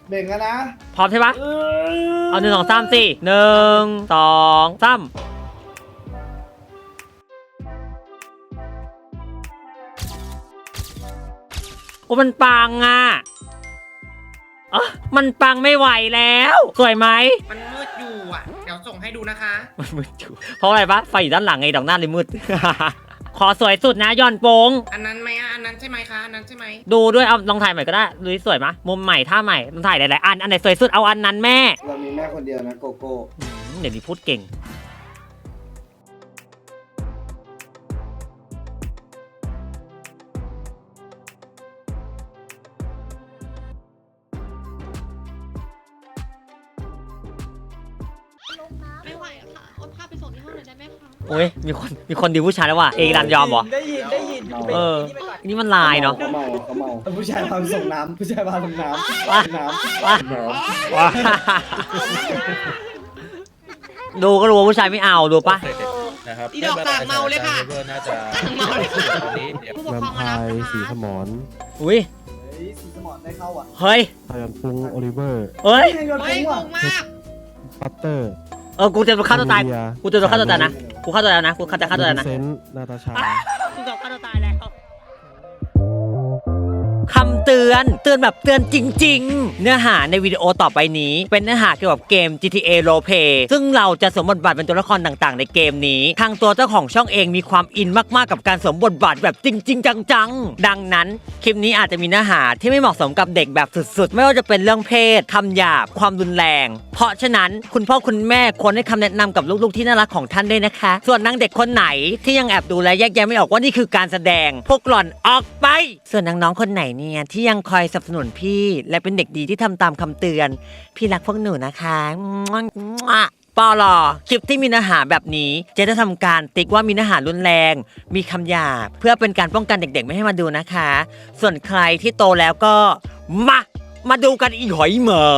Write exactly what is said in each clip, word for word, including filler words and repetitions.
เบ่งกันนะพร้อมใช่ปะเอาหนึ่งสองสามสี่หนึ่งสองสามโอ้มันปังอ่ะเออมันปังไม่ไหวแล้วสวยไหมมันมืดอยู่อ่ะเดี๋ยวส่งให้ดูนะคะมันมืดอยู่เพราะอะไรปะไฟอยู่ด้านหลังไงดอกหน้าเลยมืด ขอสวยสุดนะย้อนโป้งอันนั้นไหมอ่ะอันนั้นใช่ไหมคะอันนั้นใช่ไหมดูด้วยเอาลองถ่ายใหม่ก็ได้ดูสวยมะมุมใหม่ท่าใหม่ลองถ่ายหลายๆอันอันไหนสวยสุดเอาอันนั้นแม่เรามีแม่คนเดียวนะโกโก้เดี๋ยวนี้พูดเก่งไม่ไหวค่ะโอนพาไปส่งที่ห้องเลยได้ไหมคะโอ้ยมีคนมีคนดีผู้ชายแล้วว่ะเอรันยอมเหรอได้ยินได้ยินเออนี่มันลายเนาะเขาเมาเขาเมาผู้ชายพาส่งน้ำผู้ชายพาส่งน้ำว้าน้ำว้าว้าดูก็รู้ว่าผู้ชายไม่เอาดูปะนะครับอีดอกต่างเมาเลยค่ะน่าจะเมาเลยผู้ปกครองมารับสีสมอนอุ้ยสีสมอนได้เข้าอ่ะเฮ้ยพยันปุงโอลิเวอร์เฮ้ยไม่งงมากปัตเตอร์เออกูจะฆ่าตัวตายกูจะฆ่าตัวตายนะกูฆ่าตัวตายนะกูจะฆ่าตัวตายนะเซนนาตาชากูจะฆ่าตัวตายแล้วคำเตือนเตือนแบบเตือนจริงๆเนื้อหาในวิดีโอต่อไปนี้เป็นเนื้อหาเกี่ยวกับเกม จี ที เอ Roleplay ซึ่งเราจะสวมบทบาทเป็นตัวละครต่างๆในเกมนี้ทางตัวเจ้าของช่องเองมีความอินมากๆกับการสวมบทบาทแบบจริงๆจังๆดังนั้นคลิปนี้อาจจะมีเนื้อหาที่ไม่เหมาะสมกับเด็กแบบสุดๆไม่ว่าจะเป็นเรื่องเพศคำหยาบความรุนแรงเพราะฉะนั้นคุณพ่อคุณแม่ควรให้คำแนะนำกับลูกๆที่น่ารักของท่านด้วยนะคะส่วนนางเด็กคนไหนที่ยังแอบดูและแยกแยะไม่ออกว่านี่คือการแสดงพวกหล่อนออกไปส่วนน้องๆคนไหนเนี่ยที่ยังคอยสนับสนุนพี่และเป็นเด็กดีที่ทำตามคำเตือนพี่รักพวกหนูนะคะปอลอคลิปที่มีเนื้อหาแบบนี้เจ๊จะทำการติ๊กว่ามีเนื้อหารุนแรงมีคำหยาบเพื่อเป็นการป้องกันเด็กๆไม่ให้มาดูนะคะส่วนใครที่โตแล้วก็มามาดูกันอีหอยเหมอ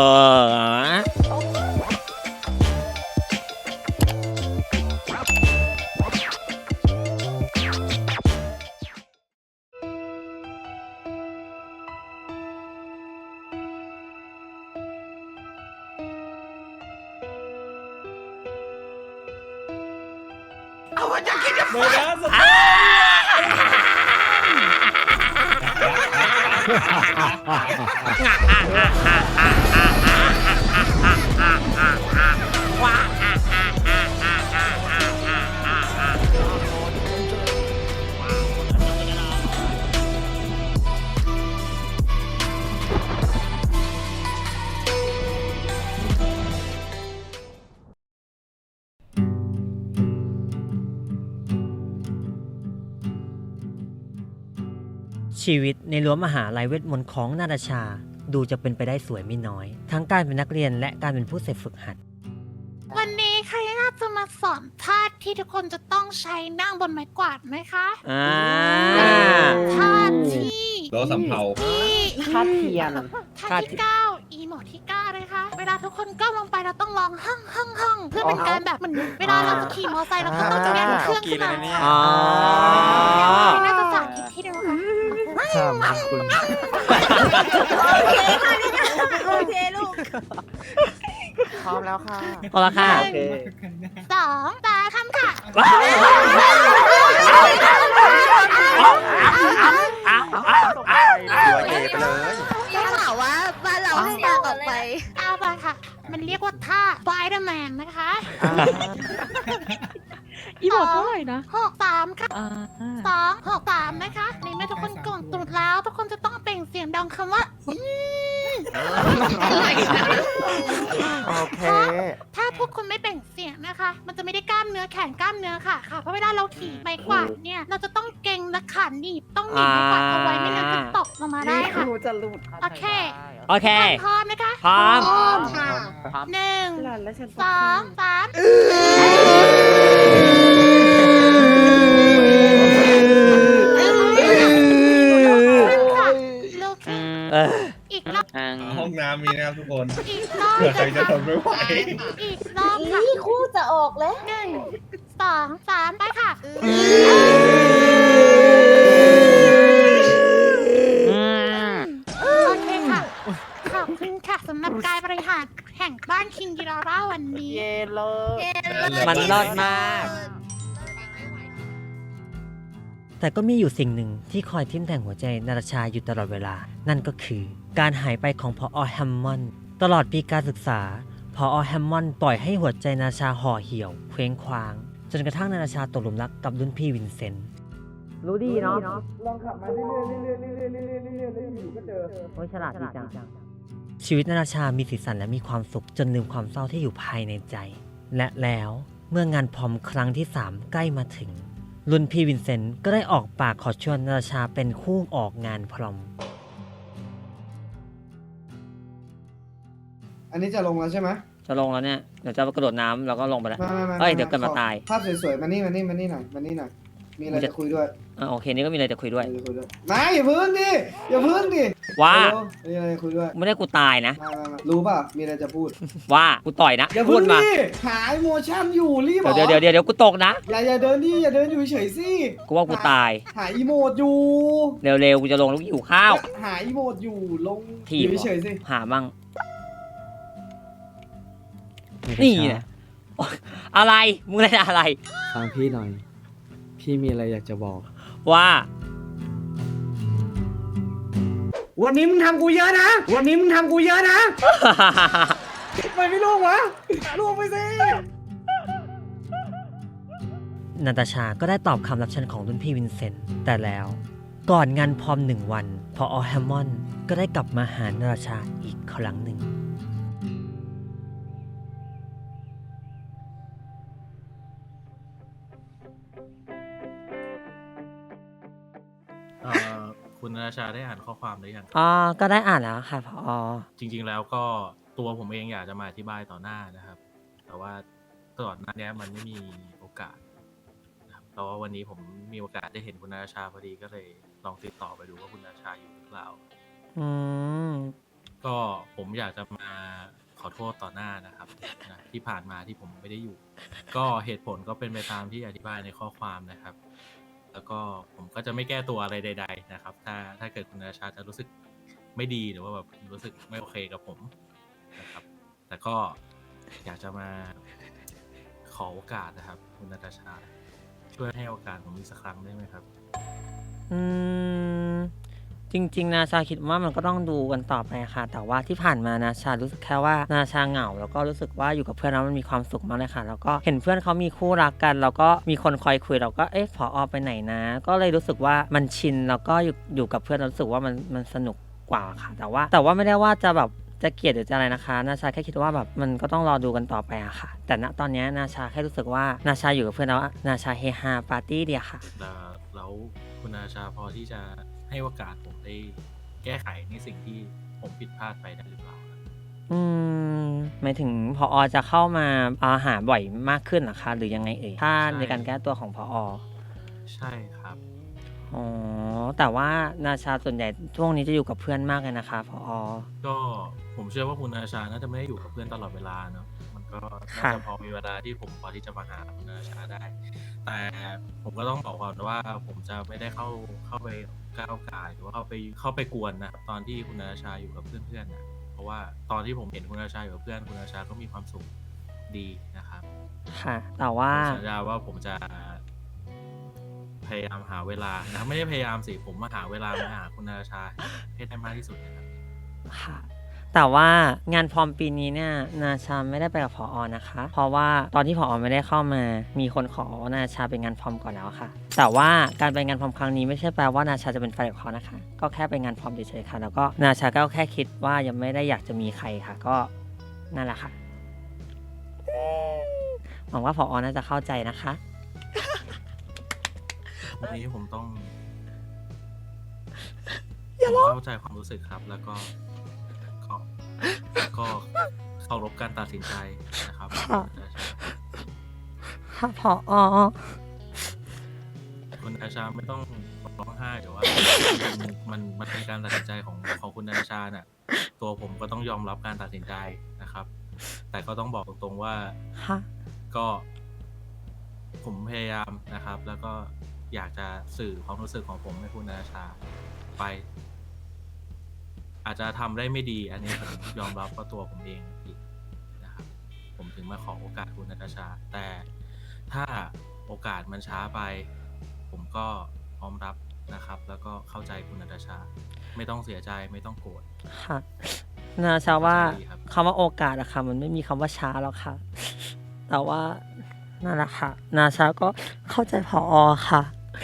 เอาว่าจะคิดจะเบอร์นะสชีวิตในรั้วมหาลัยเวทมนต์ของนาตาชาดูจะเป็นไปได้สวยไม่น้อยทั้งการเป็นนักเรียนและการเป็นผู้เสพฝึกหัดวันนี้ใครน่าจะมาสอนท่าที่ทุกคนจะต้องใช้นั่งบนไม้กวาดไหมคะอ่าท่าที่เราสำเภาท่าเทียนท่าที่เก้าอีโมดที่เก้าเลยค่ะเวลาทุกคนก้มลงไปเราต้องร้องฮั่งฮั่งฮั่งเพื่อเป็นการแบบเหมือนเวลาเราจะขี่มอเตอร์ไซค์เราก็ต้องเรียนเครื่องขึ้นมาอ๋อน่าจะสาธิตที่เดียวค่ะครับคุณโอเคลูกพร้อมแล้วค่ะพร้อมแล้วค่ะสองสามคำค่ะได้ข่าวว่าบ้านเราให้นางออกไปเอาไปค่ะมันเรียกว่าท่าไฟเดอร์แมนนะคะอีบอกเท่าไหร่นะหกสามค่ะสองหกสามนะคะในเมื่อทุกคนกดตุดแล้วทุกคนจะต้องเปล่งเสียงดังคำว่าโอเคถ้าพวกคุณไม่เปล่งเสียงนะคะมันจะไม่ได้กล้ามเนื้อแขนกล้ามเนื้อค่ะค่ะเพราะเวลาเราขี่ไม้กวาดเนี่ยเราจะต้องเก่งและขาหนีบต้องหนีบไม้กวาดเอาไว้ไม่งั้นจะตกลงมาได้ค่ะโอเคโอเคพร้อมนะคะพร้อมค่ะหนึ่งสองสามอีกรอบห้องน้ำมีนะครับทุกคนอีกรอบเผื่อใครจะทนไม่ไหวอีกรอบค่ะคู่จะออกแล้วหนึ่งสองสามไปค่ะโอเคค่ะขอบคุณค่ะค่ะสำหรับการบริหารแห่งบ้านคิงกิราร่าวันนี้เย่เลยมันรอดมาก แต่ก็มีอยู่สิ่งหนึ่งที่คอยทิ่มแทงหัวใจนาตาชาอยู่ตลอดเวลา นั่นก็คือการหายไปของพอแฮมมอนด์ตลอดปีการศึกษาพอแฮมมอนด์ปล่อยให้หัวใจนาตาชาห่อเหี่ยวเคว้งคว้างจนกระทั่งนาตาชาตกหลุมรักกับรุ่นพี่วินเซนต์รู้ดีเนาะลองขับมาเรื่อยๆเรื่อยๆเรื่อยๆเรื่อยๆเรื่อยๆเรื่อยๆอยู่ก็เจอโอ้ยฉลาดดีจังชีวิตนาตาชามีสีสันและมีความสุขจนลืมความเศร้าที่อยู่ภายในใจ และแล้วเมื่องานพรอมครั้งที่สามใกล้มาถึงรุ่นพี่วินเซนต์ก็ได้ออกปากขอชวนนาตาชาเป็นคู่ออกงานพรอมอันนี้จะลงแล้วใช่ไหมจะลงแล้วเนี่ยเดี๋ยวจะกระโดดน้ำแล้วก็ลงไปแล้วมามามาเอ้ยเดี๋ยวเกิดมาตายภาพสวยๆมานี่มานี่มานี่หน่อยมานี่หน่อยมีอะไรจะคุยด้วยอ่ะโอเคนี่ก็มีอะไรจะคุยด้วยมีอะไรจะคุยด้วยมาอย่าพึ่งดิอย่าพึ่งดิว่าเร็วมีอะไรจะคุยด้วยไม่ได้กูตายนะมามามารู้ป่ะมีอะไรจะพูดว่ากูต่อยนะอย่าพูพึ่ดงมาดิหาโมชั่นอยู่รีบเหรอเดี๋ยวเดี๋ยวเดี๋ยวเดี๋ยวกูตกนะอย่าอย่าเดินดิอย่าเดินอยู่เฉยๆสิกูว่ากูตายหาอีโมดอยู่เร็วๆกูจะลงแล้วกูหิวข้าวหาอีโมดอยู่ลงถีอบ ยู่เฉยๆสิหามั่งนี่นะโอ๊ยอะไรมึงอะไรอะไรฟังพี่หน่อย พี่มีอะไรอยากจะบอกว่าวันนี้มึงทำกูเยอะนะวันนี้มึงทำกูเยอะนะทำไมไม่ล่วงวะล่วงไปสินาตาชาก็ได้ตอบคำรับเชิญของรุ่นพี่วินเซนต์แต่แล้วก่อนงานพรอมหนึ่งวันพอแฮมมอนด์ก็ได้กลับมาหานาตาชาอีกครั้งหนึ่งเอ่อคุณนาชาได้อ่านข้อความหรือยังอ๋อ ก็ได้อ่านแล้วค่ะพอจริง ๆ แล้วก็ตัวผมเองอยากจะมาอธิบายต่อหน้านะครับ แต่ว่าตลอดหน้านี้มันไม่มีโอกาสนะครับแต่ว่าวันนี้ผมมีโอกาสได้เห็นคุณนาชาพอดีก็เลยลองติดต่อไปดูว่าคุณนาชาอยู่หรือเปล่าอืมก็ผมอยากจะมาขอโทษต่อหน้านะครับนะที่ผ่านมาที่ผมไม่ได้อยู่ ก็เหตุผลก็เป็นไปตามที่อธิบายในข้อความนะครับ แล้วก็ผมก็จะไม่แก้ตัวอะไรใดๆนะครับ ถ้าถ้าเกิดคุณนาชาจะรู้สึกไม่ดีหรือว่าแบบรู้สึกไม่โอเคกับผมนะครับ แต่ก็อยากจะมาขอโอกาสนะครับ คุณนาตาชาช่วยให้โอกาสผมอีกสักครั้งได้ไหมครับอืม จริงๆ นาชาคิดว่ามันก็ต้องดูกันต่อไปค่ะ แต่ว่าที่ผ่านมานาชารู้สึกแค่ว่านาชาเหงา แล้วก็รู้สึกว่าอยู่กับเพื่อนแล้วมันมีความสุขมากเลยค่ะ แล้วก็เห็นเพื่อนเขามีคู่รักกัน แล้วก็มีคนคอยคุยเราก็เอ๊ะผอไปไหนนะ ก็เลยรู้สึกว่ามันชินแล้วก็อยู่อยู่กับเพื่อนรู้สึกว่ามันมันสนุกกว่าค่ะ แต่ว่าแต่ว่าไม่ได้ว่าจะแบบจะเกลียดหรือจะอะไรนะคะนาชาแค่คิดว่าแบบมันก็ต้องรอดูกันต่อไปอะค่ะ แต่ณตอนนี้นาชาแค่รู้สึกว่านาชาอยู่กับเพื่อนแล้วนาชาเฮฮาปาร์ตี้เดียวค่ะแล้วคุณนาชาพอที่จะให้โอกาสผมได้แก้ไขในสิ่งที่ผมผิดพลาดไปได้หรือเปล่าครับอืมหมายถึงพอจะเข้ามาอาหาบ่อยมากขึ้นเหรอคะหรือยังไงเอ่ยถ้าในการแก้ตัวของพอใช่ครับอ๋อแต่ว่านาชาส่วนใหญ่ช่วงนี้จะอยู่กับเพื่อนมากเลยนะคะพอก็ผมเชื่อว่าคุณนาชาน่าจะไม่ได้อยู่กับเพื่อนตลอดเวลาเนาะมันก็น่าค่ะจะพอมีเวลาที่ผมพอที่จะมาหาคุณนาชาได้ แต่ผมก็ต้องบอกก่อนว่าผมจะไม่ได้เข้าเข้าไปก้าวก่ายหรือว่าเข้าไปเข้าไปกวนนะครับตอนที่คุณนาชาอยู่กับเพื่อนๆนะเพราะว่าตอนที่ผมเห็นคุณนาชาอยู่กับเพื่อนคุณนาชาก็มีความสุขดีนะครับค่ะ แต่ว่าผมสัญญาว่าผมจะพยายามหาเวลานะไม่ได้พยายามสิผมมาหาเวลามาหาคุณนาชาให้ได้มากที่สุดนะครับค่ะ แต่ว่างานพรอมปีนี้เนี่ยนาชาไม่ได้ไปกับพอนะคะ เพราะว่าตอนที่พอไม่ได้เข้ามามีคนขอนาชาเป็นงานพรอมก่อนแล้วค่ะ แต่ว่าการไปงานพรอมครั้งนี้ไม่ใช่แปลว่านาชาจะเป็นแฟนกับเขานะคะ ก็แค่ไปงานพรอมเฉยๆค่ะ แล้วก็นาชาก็แค่คิดว่ายังไม่ได้อยากจะมีใครค่ะ ก็นั่นแหละค่ะหวังว่าพอน่าจะเข้าใจนะคะวันนี้ผมต้องผมเข้าใจความรู้สึกครับ แล้วก็ก็ก็เคารพการตัดสินใจนะครับค่ะ ค่ะพอคุณนาชาไม่ต้องร้องไห้หรือว่ามันมันมันเป็นการตัดสินใจของของคุณนาชาน่ะตัวผมก็ต้องยอมรับการตัดสินใจนะครับ แต่ก็ต้องบอกตรงๆว่าค่ะก็ผมพยายามนะครับ แล้วก็อยากจะสื่อความรู้สึกของผมให้คุณนาชาไปอาจจะทำได้ไม่ดี อันนี้ผมยอมรับว่าตัวผมเองผิดนะครับผมถึงมาขอโอกาสคุณนาตาชา แต่ถ้าโอกาสมันช้าไป ผมก็พร้อมรับนะครับ แล้วก็เข้าใจคุณนาตาชา ไม่ต้องเสียใจไม่ต้องโกรธค่ะนาชาว่าเข้าใจดีครับคำว่าโอกาสอะค่ะมันไม่มีคำว่าช้าหรอกค่ะ แต่ว่านั่นแหละค่ะ นาชาก็เข้าใจพอค่ะ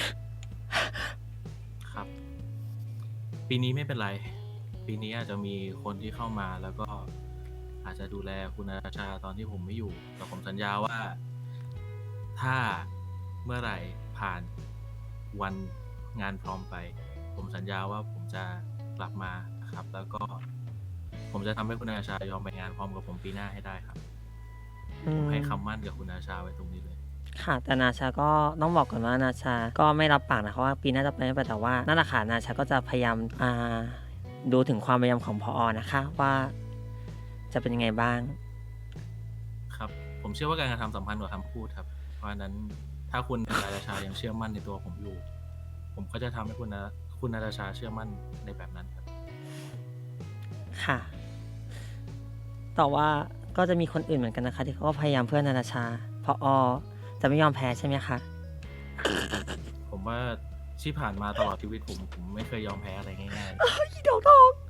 ครับ ปีนี้ไม่เป็นไร ปีนี้อาจจะมีคนที่เข้ามาแล้วก็อาจจะดูแลคุณนาตาชาตอนที่ผมไม่อยู่ แต่ผมสัญญาว่า ถ้าเมื่อไหร่ผ่านวันงานพร้อมไป ผมสัญญาว่าผมจะกลับมานะครับ แล้วก็ผมจะทำให้คุณนาตาชายอมไปงานพร้อมกับผมปีหน้าให้ได้ครับอืผมมให้คำมั่นกับคุณนาตาชาไว้ตรงนี้เลยค่ะ แต่นาชาก็ต้องบอกก่อนว่านาชาก็ไม่รับปากนะคะว่าปีหน้าจะไปไม่ไปแต่ว่านั่นแหละค่ะนาชาก็จะพยายามอ่าดูถึงความพยายามของพอนะคะ ว่าจะเป็นยังไงบ้างครับ ผมเชื่อว่าการกระทำสัมพันธ์กว่าคำพูดครับ เพราะฉะนั้นถ้าคุณนาตาชายังเชื่อมั่นในตัวผมอยู่ ผมก็จะทำให้คุณนาคุณนาตาชาเชื่อมั่นในแบบนั้นครับค่ะ แต่ว่าก็จะมีคนอื่นเหมือนกันนะคะ ที่เขาก็พยายามเพื่อนาตาชาพอจะไม่ยอมแพ้ใช่ไหมคะผมว่าที่ผ่านมาตลอดชีวิตผมผมไม่เคยยอมแพ้อะไรง่ายอีดอกทอง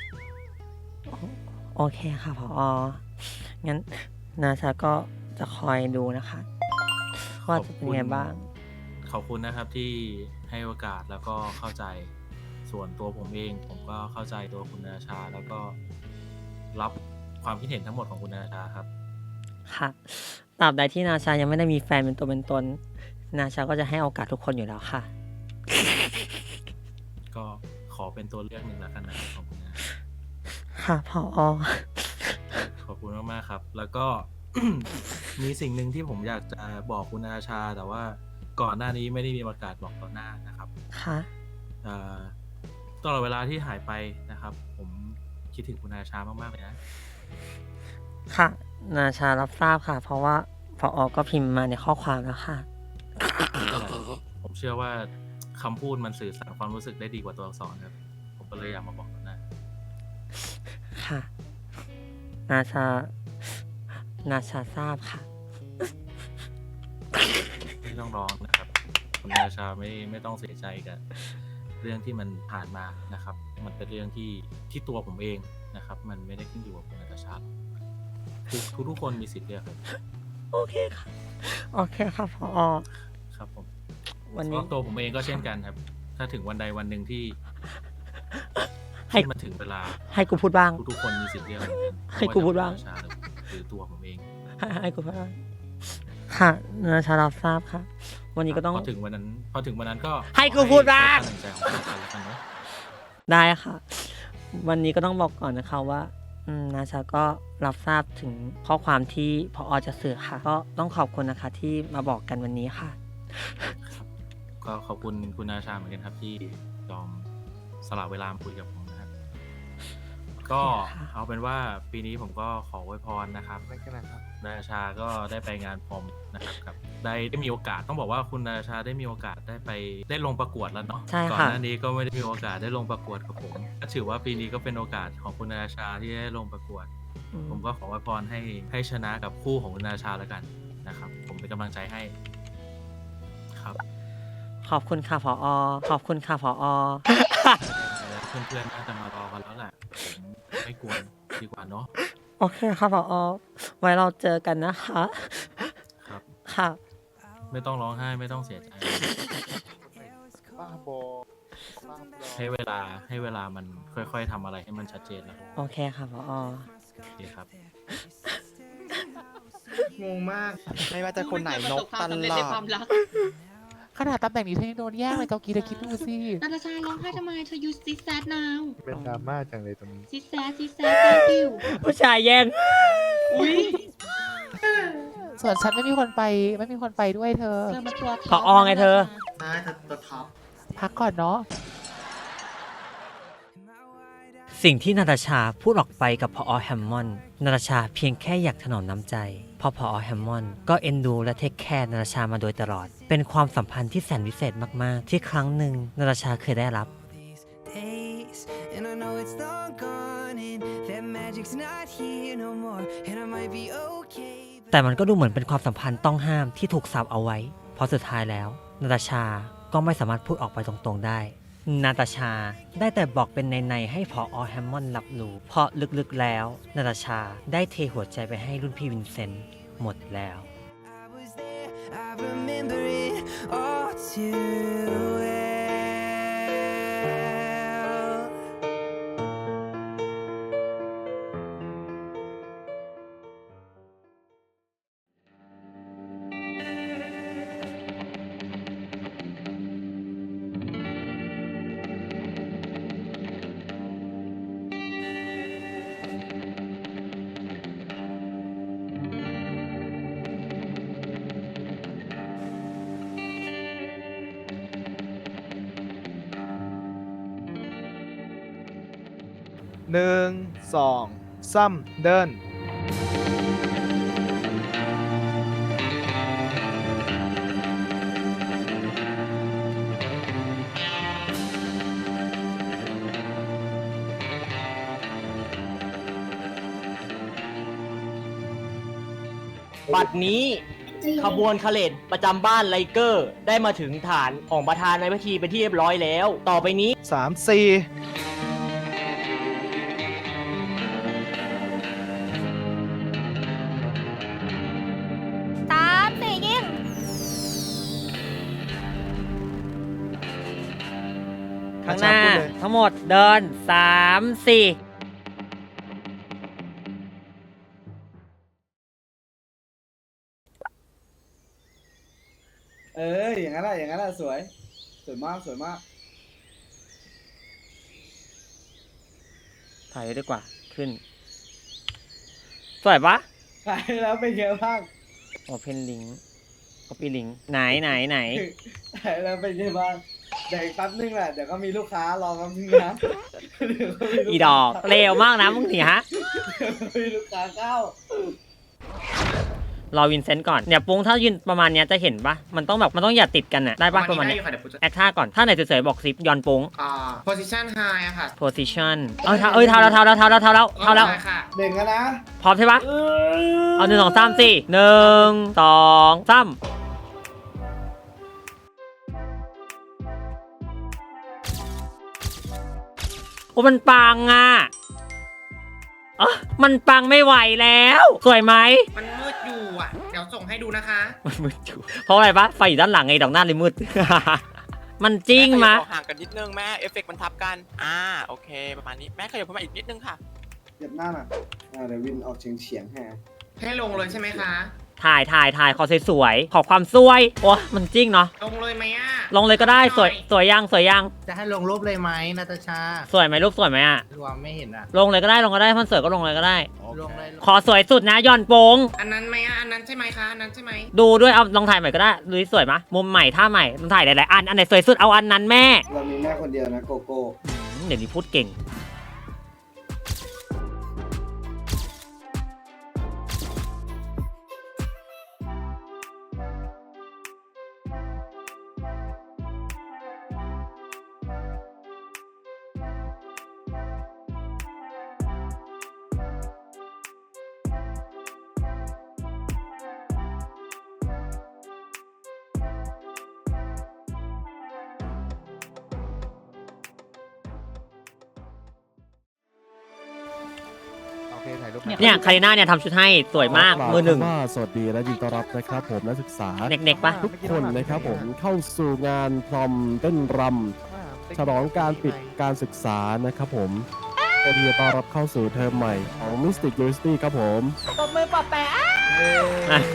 โอเคค่ะพองั้นนาชาก็จะคอยดูนะคะๆว่าจะเป็นไงบ้างขอบคุณนะครับที่ให้โอกาสแล้วก็เข้าใจส่วนตัวผมเอง ผมก็เข้าใจตัวคุณนาตาชา แล้วก็รับความคิดเห็นทั้งหมดของคุณนาตาชาครับค่ะตราบใดที่นาชายังไม่ได้มีแฟนเป็นตัวเป็นตน นาชาก็จะให้โอกาสทุกคนอยู่แล้วค่ะก็ขอเป็นตัวเลือกหนึ่งแล้วกันนะครับของคุณนาค่ะพอขอบคุณมากๆครับ แล้วก็ มีสิ่งหนึ่งที่ผมอยากจะบอกคุณนาตาชา แต่ว่าก่อนหน้านี้ไม่ได้มีโอกาสบอกต่อหน้านะครับค่ะเอ่อตลอดเวลาที่หายไปนะครับ ผมคิดถึงคุณนาตาชามากๆเลยนะค่ะ นาชารับทราบค่ะ เพราะว่าพอก็พิมพ์มาในข้อความแล้วค่ะผมเชื่อว่าคำพูดมันสื่อสารความรู้สึกได้ดีกว่าตัวอักษรครับ ผมก็เลยอยากมาบอกต่อหน้าค่ะ นาชา นาชาทราบค่ะไม่ต้องร้องนะครับ คุณนาตาชาไม่ไม่ต้องเสียใจกับเรื่องที่มันผ่านมานะครับ มันเป็นเรื่องที่ที่ตัวผมเองนะครับ มันไม่ได้ขึ้นอยู่กับคุณนาตาชาทุกทุกทุกคนมีสิทธิ์เลือกครับโอเคค่ะ โอเคค่ะพอครับผมวันเพนี้ราะตัวผมเองก็เช่นกันครับ ถ้าถึงวันใดวันหนึ่งที่ให้ที่มันถึงเวลาให้กูพูดบ้างทุกๆคนมีสิทธิ์เลือกเหมือนกันให้กูพูดบ้างไม่ว่จะเป็นคุณนาตาชาหรือตัวผมเองให้ให้กูพูดบ้างค่ะ นาชารับทราบค่ะ วันนี้ก็ต้องพอถึงวันนั้น พอถึงวันนั้นก็ให้กูพูดบ้างขอให้ใช้ความตั้งใจของกันแล้วกันเนาะได้ค่ะ วันนี้ก็ต้องบอกก่อนนะคะว่าอืมนาชาก็รับทราบถึงข้อความที่พอจะสื่อค่ะ ก็ต้องขอบคุณนะคะที่มาบอกกันวันนี้ค่ะครับก็ขอบคุณคุณนาตาชาเหมือนกันครับ ที่ยอมสละเวลามาคุยกับผมนะครับ ก็ค่ะเอาเป็นว่าปีนี้ผมก็ขออวยพรนะครับไม่กันนะครับนาตาชาก็ได้ไปงานพรอมนะครับกับได้ได้มีโอกาสต้องบอกว่าคุณนาตาชาได้มีโอกาสได้ไปได้ลงประกวดแล้วเนาะใช่ก่อนค่ะหน้านี้ก็ไม่ได้มีโอกาสได้ลงประกวดกับผมก็ถือว่าปีนี้ก็เป็นโอกาสของคุณนาตาชาที่ได้ลงประกวดอืมผมก็ขออวยพรให้ให้ชนะกับคู่ของคุณนาตาชาแล้วกันนะครับ ผมเป็นกำลังใจให้ครับขอบคุณค่ะพอขอบคุณค่ะพอเพื่อนๆน่าจะมารอกันแล้วแหละผมไม่กวนดีกว่าเนาะโอเคค่ะพอไว้เราเจอกันนะคะครับค่ะไม่ต้องร้องไห้ไม่ต้องเสียใจบ้าบอบ้าบอให้เวลาให้เวลามันค่อยๆทำอะไรให้มันชัดเจนแล้วโอเคค่ะพอโอเคครับงงมากไม่ว่าจะคนไหนนกตลอดขนาดตำแหน่งนี้เธอยังโดนแย่งเลยเกากีเธอคิดดูสินาตาชาร้องไห้ทำไม เธอ you sit sad now เป็นดราม่าจังเลยตรงนี้ sit sad sit sad thank you ผู้ชายแย่งอุ้ยส่วนฉันไม่มีคนไปไม่มีคนไปด้วยเธอเธอมาตัวพอไงเธอได้เธอตัวท็อปพักก่อนเนาะสิ่งที่นาตาชาพูดออกไปกับพอแฮมมอนด์นาตาชาเพียงแค่อยากถนอมน้ำใจเพอพอแฮมมอนด์ก็เอ็นดูและเทคแคร์นาตาชามาโดยตลอด เป็นความสัมพันธ์ที่แสนวิเศษมากๆ ที่ครั้งหนึ่งนาตาชาเคยได้รับ days, and I know it's long gone and that magic's not here no more and I might be okay แต่มันก็ดูเหมือนเป็นความสัมพันธ์ต้องห้ามที่ถูกสับเอาไว้เพราะสุดท้ายแล้วนาตาชาก็ไม่สามารถพูดออกไปตรงๆได้นาตาชาได้แต่บอกเป็นในๆให้พออแฮมมอนด์รับรู้เพราะลึกๆแล้วนาตาชาได้เทหัวใจไปให้รุ่นพี่วินเซนต์หมดแล้ว I was there I remember it all too well หนึ่งสองซ้ำเดินบัดนี้ขบวนคาเลดประจำบ้านไลเกอร์ ได้มาถึงฐานของประธานในพิธีเป็นที่เรียบร้อยแล้ว ต่อไปนี้สาม สี่สามสี่ยิงข้างหน้าทั้งหมดเดินสามสี่เอออย่างนั้นแหละอย่างนั้นแหละสวยสวยมากสวยมากถ่ายดีกว่าขึ้นสวยปะขายแล้วเป็นไงบ้างโอเพนลิงก์ก็ปีลิงก์ไหนไหนไหนขายแล้วเป็นไงบ้างเดี๋ยวอีกแป๊บนึงแหละเดี๋ยวก็มีลูกค้ารอแป๊บนึงนะเดี๋ยวก็มีลูกค้าอีดอกเร็วมากนะมึงเนี่ยฮะเดี๋ยวก็มีลูกค้าเข้ารอวินเซนต์ก่อนเนี่ยปุ้งถ้ายืนประมาณเนี้ยจะเห็นปะมันต้องแบบมันต้องอย่าติดกันอะได้ปะประมาณเนี้ยแอคท่าก่อนถ้าไหนเฉยๆบอกซิปย้อนปุ้งอ่า position high อะค่ะ position เอ้ยเท้าเอ้ยเท้าแล้วเท้าแล้วเท้าแล้วเท้าแล้วเท้าแล้วค่ะเด่งกันนะพร้อมใช่ปะเอาหนึ่งสองสามสี่หนึ่งสองสามโอ้มันปังอ่ะเออมันปังไม่ไหวแล้วสวยไหมมันมืดอยู่อ่ะ เดี๋ยวส่งให้ดูนะคะมันมืดอยู่เพราะอะไรปะไฟอยู่ด้านหลังไงดอกหน้าเลยมืด มันจริงมะห่างกันนิดนึงแม่เอฟเฟกต์มันทับกันอ่าโอเคประมาณนี้แม่ขยับเข้ามาอีกนิดนึงค่ะเหยียบหน้าน่ะอ่าเดี๋ยววินออกเฉียงเฉียงๆให้ให้ลงเลยใช่ไหมคะถ่ายถ่ายถ่ายขอสวยๆขอความสวยโอ้มันจริงเนาะลงเลยไหมอ่ะลงเลยก็ได้สวยสวยยังสวยยังจะให้ลงรูปเลยไหมนาตาชาสวยไหมรูปสวยไหมอะรวมไม่เห็นอ่ะลงเลยก็ได้ลงก็ได้มันสวยก็ลงเลยก็ได้ลงเลยขอสวยสุดนะย่อนโปงอันนั้นไหมอ่ะอันนั้นใช่ไหมคะอันนั้นใช่ไหมดูด้วยเอาลองถ่ายใหม่ก็ได้ดูดิสวยมะมุมใหม่ท่าใหม่ลองถ่ายหลายๆอันอันไหนสวยสุดเอาอันนั้นแม่เรามีแม่คนเดียวนะโกโก้อืมเดี๋ยวนี้พูดเก่งโอเคถ่ายรูปเนี่ยคาริน่าเนี่ยทำชุดให้สวยมากมือหนึ่งว่าสวัสดีและยินดีต้อนรับนะครับผมนักศึกษาเน็กๆปะทุกคนนะครับผมเข้าสู่งานพรอมเต้นรำฉลองการปิดการศึกษานะครับผมเพื่อที่จะต้อนรับเข้าสู่เทอมใหม่ของ Mystic University ครับผมตบมือปอบแปะอ่ะ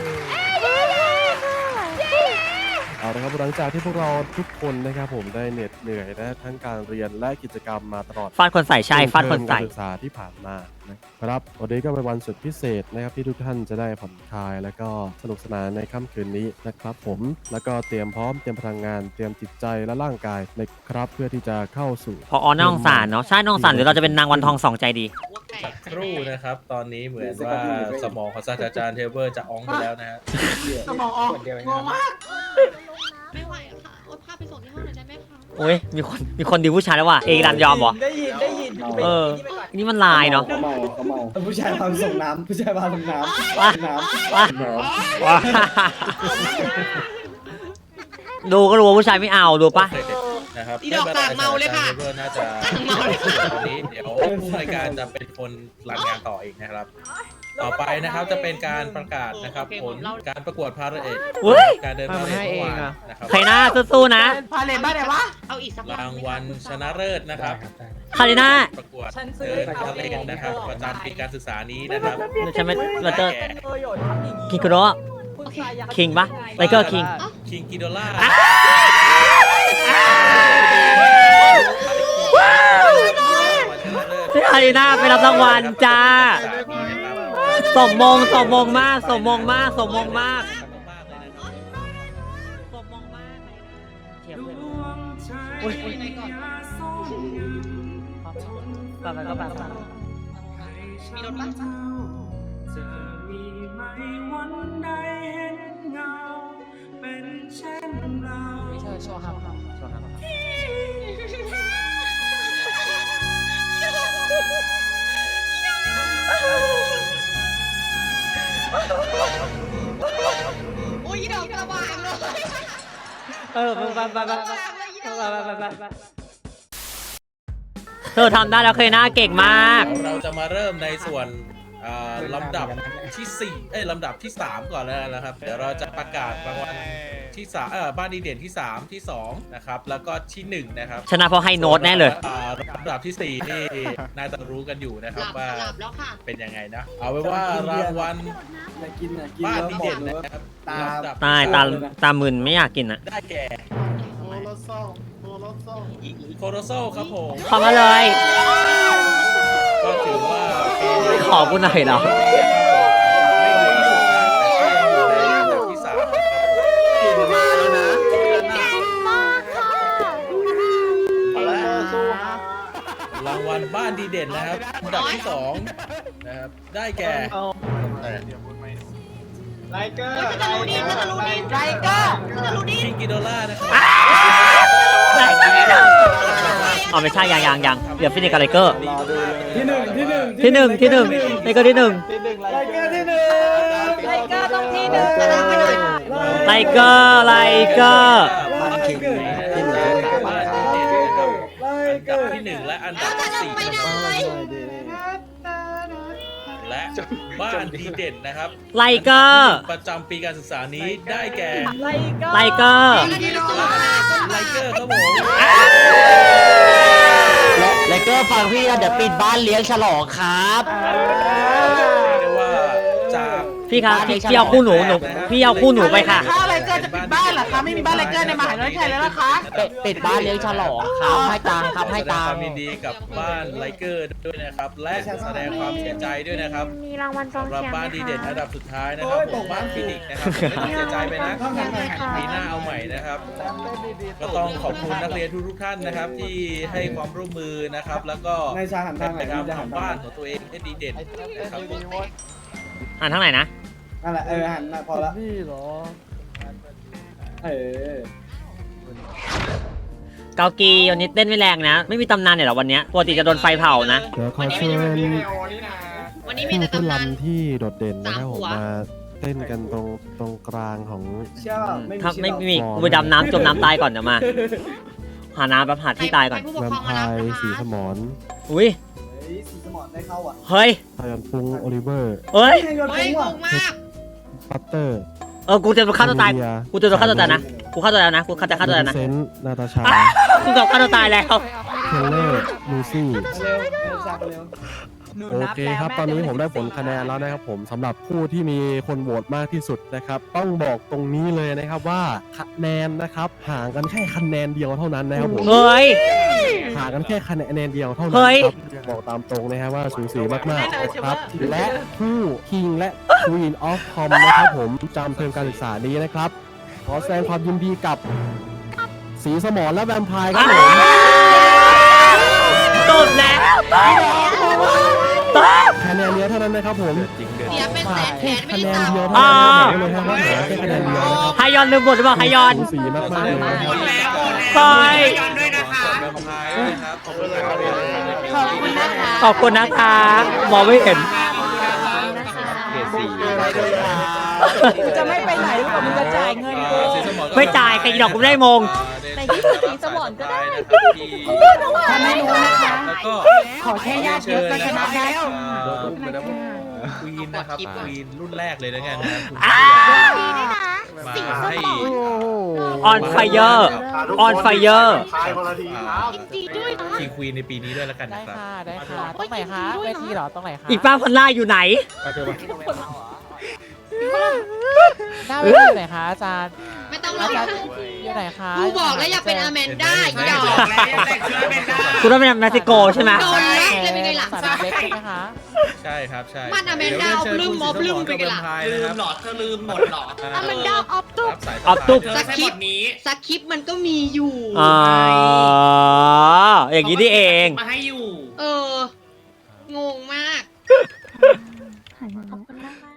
เอาละครับหลังจากที่พวกเราทุกคนนะครับผมได้เหน็ดเหนื่อยและทั้งการเรียนและกิจกรรมมาตลอดฟาดคนใส่ใช่ฟาดคนใส่เทอมการศึกษาที่ผ่านมานะครับวันนี้ก็เป็นวันสุดพิเศษนะครับที่ทุกท่านจะได้ผ่อนคลายแล้วก็สนุกสนานในค่ำคืนนี้นะครับผมแล้วก็เตรียมพร้อมเตรียมพลังงานเตรียมจิตใจและร่างกายนะครับเพื่อที่จะเข้าสู่พออน้องสารเนาะใช่น้องสารหรือเราจะเป็นนางวันทองสองใจดีสักครู่นะครับ ตอนนี้เหมือนว่าสมองของศาสตราจารย์เทเบอร์จะอองไปแล้วนะฮะสมองออกงงมากไม่ไหวค่ะโอ๊ตพาไปส่งที่ห้องหน่อยได้ไหมคะโอ้ยมีคนมีคนดีผู้ชายแล้วว่ะเอรันยอมเหรอได้ยินได้ยินเออ นี่มันลายเนาะเขาเมาเขาเมาผู้ชายพาส่งน้ำผู้ชายพาส่งน้ำว้าน้ำว้าว้าดูก็รู้ว่าผู้ชายไม่เอาดูปะนะครับอีดอกสั่งเมาเลยค่ะเพื่อนน่าจะตอนนี้เดี๋ยวผู้รายการจะเป็นคนรันงานต่อเองนะครับ ต่อไปนะครับจะเป็นการประกาศนะครับผลการประกวดพาราเอดเฮ้ยการเดินพาราเอดเมื่อวานนะครับใครหน้าสู้ๆนะพาเลนบ้านไหนวะ เอาอีกสักรางวัลชนะเลิศนะครับใครหน้าประกวดเดินพาราเอดนะครับประจำปีการศึกษานี้นะครับฉันไม่เราจะคิงคุโระคิงปะไลเกอร์คิงคิงกิโดล่าพี่อารีนาไปรับรางวัลจ้า สมมงสมมงมาก สมมงมาก สมมงมาก สมมงมากเทียบเลยอุ้ยไปไปก็ไปไปมีรถบ้างไม่ใช่โชว์ครับโชว์ครับอุ้ยดอกกระบางเลยเออไปไปไปไปไปไปไปเธอทำได้แล้วเคยหน้าเก่งมากเราจะมาเริ่มในส่วนอ่าลำดับที่สี่เอ้ยลำดับที่สามก่อนแล้วนะครับ เดี๋ยวเราจะประกาศรางวัลที่สามเออบ้านดีเด่นที่สามที่สองนะครับแล้วก็ที่หนึ่งนะครับชนะเพราะให้โน้ตแน่เลยอ่าลำดับที่สี่นี่น่าจะรู้กันอยู่นะครับว่าหลับแล้วค่ะเป็นยังไงนะ เอาไว้ว่ารางวัลอยากกินอยากกินบ้านแล้วดีบอเด่กนเลยว่านะครับตาลำดับตายตาตามึนไม่อยากกินอ่ะได้แก่โคโรโซครับผมขอมาเลยก็ถือว่าไม่ขอกูหน่อยเหรอไม่ดีที่สุดนะแต่ก็ยังอยู่ในอันดับที่สามนะครับเก่งมากแล้วนะมากค่ะรางวัลบ้านดีเด่นนะครับอันดับที่สองนะครับได้แก่ไลเกอร์จะรู้ดีจะรู้ดีไรก็จะรู้ดีคิงกิโดล่านะครับอ๋อไม่ใช่ยังยังยังเดี๋ยวฟินิกกับไลเกอร์รอดูเลยที่หนึ่งที่หนึ่งที่หนึ่งที่หนึ่งไลเกอร์ที่หนึ่งไลเกอร์ที่หนึ่งไรก็ต้องที่หนึ่งอะไรไปหน่อยไลเกอร์ไลเกอร์บ้านคิงที่หนึ่งบ้านดีเด่นนะครับอันดับที่หนึ่งและอันดับที่สี่นะครับและบ้านดีเด่นนะครับไลเกอร์ประจำปีการศึกษานี้ได้แก่ไลเกอร์ไลเกอร์ครับผมไลเกอร์ฟังพี่นะเดี๋ยวปิดบ้านเลี้ยงฉลองครับเรียกได้ว่าจากพี่ครับพี่พี่เอาคู่หนูหนูพี่เอาคู่หนูไปค่ะถ้าไรเกอร์จะปิดบ้านเหรอคะไม่มีบ้านไรเกอร์ในมหาวิทยาลัยแล้วนะคะปิดบ้านเลี้ยงฉลองครับให้ตังค์ครับให้แสดงตัคงวามค์ยินดีกับบ้านไลเกอร์ด้วยนะครับ และแสดงความเสียใจด้วยนะครับมีรางวัลกองสำหรับเชียร์บ้านดีเด่นไหมอันคะดับสุดท้ายนะครับผมบ้านฟินิกส์นะครับไม่ต้องเสียใจไปนะปีหน้าเอาใหม่นะครับ ก็ต้องขอบคุณนักเรียนทุกๆท่านนะครับ ที่ให้ความร่วมมือนะครับ แล้วก็ในชาหันทางไหนนะครับจะหันทำบ้านของตัวเองให้ดีเด่นนะครับผมอ่านทั้งไหนนะนั่นแหละเออหันพอละนี่เหรอเออเกากีวันนี้เต้นไม่แรงนะ ไม่มีตำนานเนี่ยหรอวันเนี้ยปกติจะโดนไฟเผานะเดี๋ยวขอเชิญวันนี้มีผู้แต่ผู้ตำนานลำที่โดดเด่นนะครับสามผหัมวมาเต้นกันตรงตรงกลางของเชื่อเปล่าไม่มีถ้าไม่เชื่อมีกูไปดำน้ำจมน้ำตายก่อนเดี๋ยวมา หาน้ำแบบหาที่ตายก่อนผู้ปกแวคมรองไพมารับร์นะคะสีสมอนอุ้ยเฮ้ยสีสมอนได้เข้าอ่ะเฮ้ยพยันปุงโอลิเวอร์เอ้ยให้โยนเฮ้ยทิ้งงว่ะงมากปัตเตอร์เออ กูจะฆ่าตัวตายเมีกูจะโดนฆ่าตัวตายนะ กูฆ่าตัวตายนะ กูจะฆ่าตัวตายนะเซนต์นาตาชากูจะฆ่าตัวตายแล้วเทเลอร์ลูซี่เร็วเร็วชาเร็วโอเคครับ ตอนนี้ผมได้ผลคะแนนแล้วนะครับผมสำหรับผู้ที่มีคนโหวตมากที่สุดนะครับ ต้องบอกตรงนี้เลยนะครับว่าคะแนนนะครับห่างกันแค่คะแนนเดียวเท่านั้นนะครับผมเฮ้ยห่างกันแค่คะแนนเดียวเท่านั้เฮ้นยครับบอกตามตรงนะครับว่าสูสีมากๆนะครับ และผู้คิงและ Queen of Tom นะครับผมจำเทอมการศึกษานี้นะครับ ขอแสดงความยินดีกับสีสมรและแวมไพร์ครับผมจบแล้วตบตบคะแนนเดียวเท่านั้นนะครับผมเสียเป็นแสนแขแค่นไม่คะแนได้นตามเดียวเท่านั้นนะครับผมเลยครับว่าแค่คะแนนเดียวนะครับไฮยอนลืมบทหรือเปล่าไฮยอนสูสีมากๆเลยนะครับซอยด้วยนะคะนะครับขอบคุณครับไฮขอบคุณนะคะขอบคุณนะคะมองไม่เห็นเกรดสี่จะไม่ไปไหนหรือเปล่ามึงจะจ่ายเงินกูไม่จ่ายใครดอกกูไม่ได้มงในที่สุดสีสมอนก็ได้ทำให้รู้นะคะแล้วก็ขอแค่ญาติเยอะก็ชนะแล้วควีนนะครับควีนรุ่นแรกเลยแล้วกันนะครับดีด้วยนะมาสีสให้มอง on fire on fire ดีด้วยนะทีควีนในปีนี้ด้วยแล้วกันนะครับได้ค่ะตรงไหนคะเวทีเหรอตรงไหนคะอีกป้าพันล่าอยู่ไหนหน้าเวทีไหนคะอาจารย์ไม่ต้องรอาอจารย์อยู่ไหนคะกูบอกแล้วอย่าเป็นอแมนด้าอีดอกคุณต้องเป็นเม็กซิโกใช่ไหมโดนแล็กเลยเป็นไงล่ะสนามเล็กใช่ไหมคะใช่ครับใช่มันอแมนด้าเอาลืมมอบลืมไปกันล่ะลืมหลอดอแมนดาออฟตุ๊กออฟตุ๊กสคริปต์สคริปต์มันก็มีอยู่อ๋ออย่างนี้นี่เองมาให้อยู่ เออ งงมากขอบคุณมากๆนะ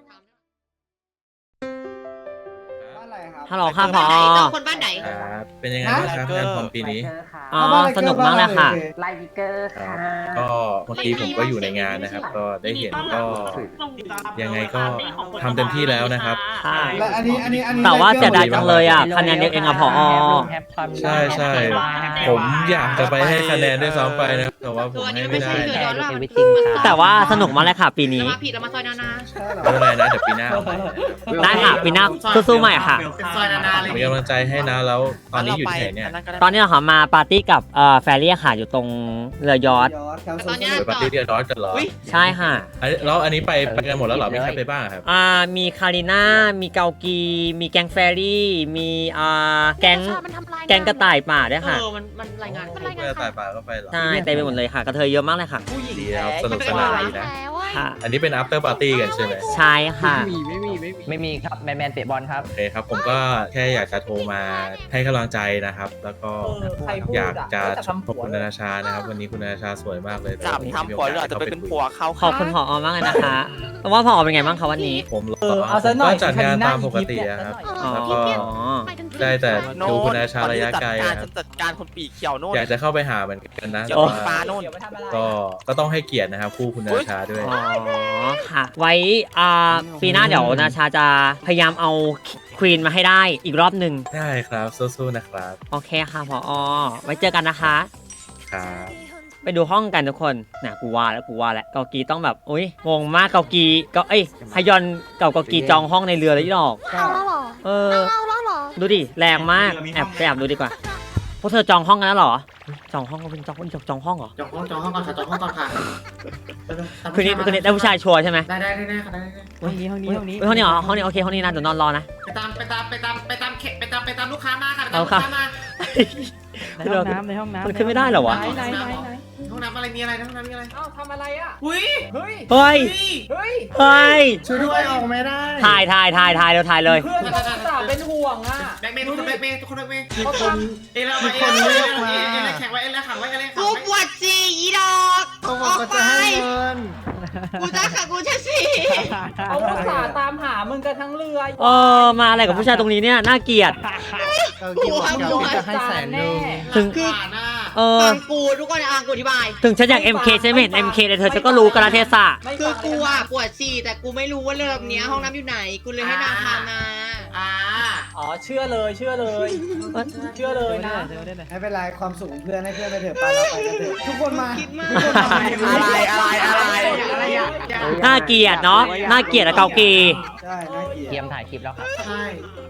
ฮัลโหลค่ะพอคนบ้านไหนครับเป็นยังไงบ้างครับงานพร้อมปีนี้อ๋อสนุกมากเลยค่ะไลท์เกอร์ค่ะก็เมื่อกี้ผมก็อยู่ในงานนะครับ ก็ได้เห็นก็ยังไงก็ทำเต็มที่แล้วนะครับใช่และอันนี้อันนี้อันนี้แต่ว่าเสียดายจังเลยอ่ะคะแนนเยอะเองอะพอใช่ใช่ผมอยากจะไปให้คะแนนด้วยซ้ำไปนะครับแต่ว่าผมให้ไม่ได้เกิดย้อนหลังแต่ว่าสนุกมากเลยค่ะปีนี้มาผิดแล้วมาซอยนานาไม่เป็นไรนะเดี๋ยวปีหน้าเอาใหม่ได้ค่ะปีหน้าสู้ๆใหม่ค่ะซอยนานาเลยมีกำลังใจให้นะแล้วตอนนี้อยู่ที่ไหนเนี่ยตอนนี้เราขอมาปาร์ตี้กับเอ่อแฟรี่ค่ะอยู่ตรงเรือยอชต์ตอนเนี้ยไปปาร์ตี้เดียร์ดอสกันเหรอใช่ค่ะอันนี้แล้วอันนี้ไปไปกันหมดแล้วเหรอมีใครไปบ้างครับอ่ามีคาริน่ามีเกากี มีแก๊งแฟรี่มีอ่าแก๊งมันทำลายแก๊งกระต่ายป่าด้วยค่ะเออ มัน มันรายงานมันรายไปงานตายป่าก็ไปเหรอใช่เต็มไปหมดเลยค่ะกระเทยเยอะมากเลยค่ะดีครับสนุกสนานดีนะแล้วอะค่ะอันนี้เป็น after party กันใช่ไหมใช่ค่ะไม่มีครับแมนแมนเตะบอลครับโอเคครับผมก็แค่อยากจะโทรมาให้กำลังใจนะครับ แล้วก็อยากจะชมคุณนานาชานะครับ วันนี้คุณนานาชาสวยมากเลยจับทำผัวหรืออาจจะไปเป็นผัวเขาขอบคุณผอมากเลยนะคะแต่ว่าผอเป็นไงบ้างคะวันนี้ผมเหรอผมก็จัดงานตามปกติอะครับอ๋อแล้วก็ได้แต่ดูคุณนานาชาระยะไกลอะครับจัดการคนปีเขียวโน่นอยากจะเข้าไปหาเหมือนกันนะเดี๋ยแต่วว่าปลาโน่นก็ก็ต้องให้เกียรตินะครับคู่คุณนานาชาด้วยอ๋อค่ะ ไว้อ่าปีหน้าเดี๋ยวนาชาจะพยายามเอาควีนมาให้ได้อีกรอบหนึ่งได้ครับสู้ๆนะครับโอเคค่ะผอไว้เจอกันนะคะครับไปดูห้องกันทุกคนน่ะกูว่าแล้วกูว่าแล้วเกากีต้องแบบอุ้ยงงมากเกากีก็เอ้ยฮยอนเก่าเกากีจองห้องในเรือเลยที่ดอกเอาแล้วเหรอเออเอาแล้วเหรอดูดิแรงมากแอบไปแอบดูดีกว่าพวกเธอจองห้องกันแล้วเหรอจองห้องก็เป็นจองจองจองห้องเหรอจองห้องจองห้องก่อนค่ะจองห้องก่อนค่ะคืนนี้คืนนี้ได้ผู้ชายชัวร์ใช่ไหมได้ได้ได้ค่ะได้ได้ห้องนี้ห้องนี้ห้องนี้ห้องนี้เหรอห้องนี้โอเคห้องนี้นะเดี๋ยวนอนรอนะไปตามไปตามไปตามไปตามเขไปตามไปตามลูกค้ามาค่ะไปตามเอาลูกค่ะค้ามาในห้องน้ำในห้องน้ำมันขึ้นไม่ได้เหรอวะไหนไหนไหนห้องน้ำอะไรมีอะไรห้องน้ำมีอะไรอ้าวทำอะไรอ่ะอุ้ยเฮ้ยเฮ้ยเฮ้ยเฮ้ยช่วยด้วยออกไม่ได้ถ่ายถ่ายถ่ายถ่ายเร็วถ่ายเลยเพื่อนเขาสาวเป็นห่วงอ่ะแบกเมย์ทุกคนแบกเมย์ทุกคนแบกเมย์เขาทเอ้ยแล้วเอ้ยแล้วเอ้ยแล้วเอ้ยแล้วแข่งไว้เอ้ยแล้วขังไว้เอ้ยแล้วขังไว้กูปวดจีอีดอกออกไปกูจะขังกูจะสีำเขาอุตส่าห์ตามหามึงกันทั้งเรือเออมาอะไรกับผู้ชายตรงนี้เนี่ยน่าเกลียดหัวหัวจะให้แสนนึงถึงคือหน้าเออฟังกูทุกคนอ่ะกูอธิบายถึงฉันอยาก เอ็ม เค ใช่ไหมเห็น เอ็ม เค เลยเธอฉันก็รู้กาลเทศะคือกูอ่ะปวดฉี่แต่กูไม่รู้ว่าเริ่มเนี้ยห้องน้ำอยู่ไหนกูเลยให้นางพามาอ่าอ๋อเชื่อเลยเชื่อเลย เชื่อเลยนะไม่เป็นไรความสุขของเพื่อนให้เพื่อนไปเถอะไปเราไปกันเถอะทุกคนมาคิดมากอะไรอะไรอะไรอะไรอ่ะน่าเกลียดเนาะน่าเกลียดอะเกากีใช่น่าเกลียดเตรียมถ่ายคลิปแล้วครับใช่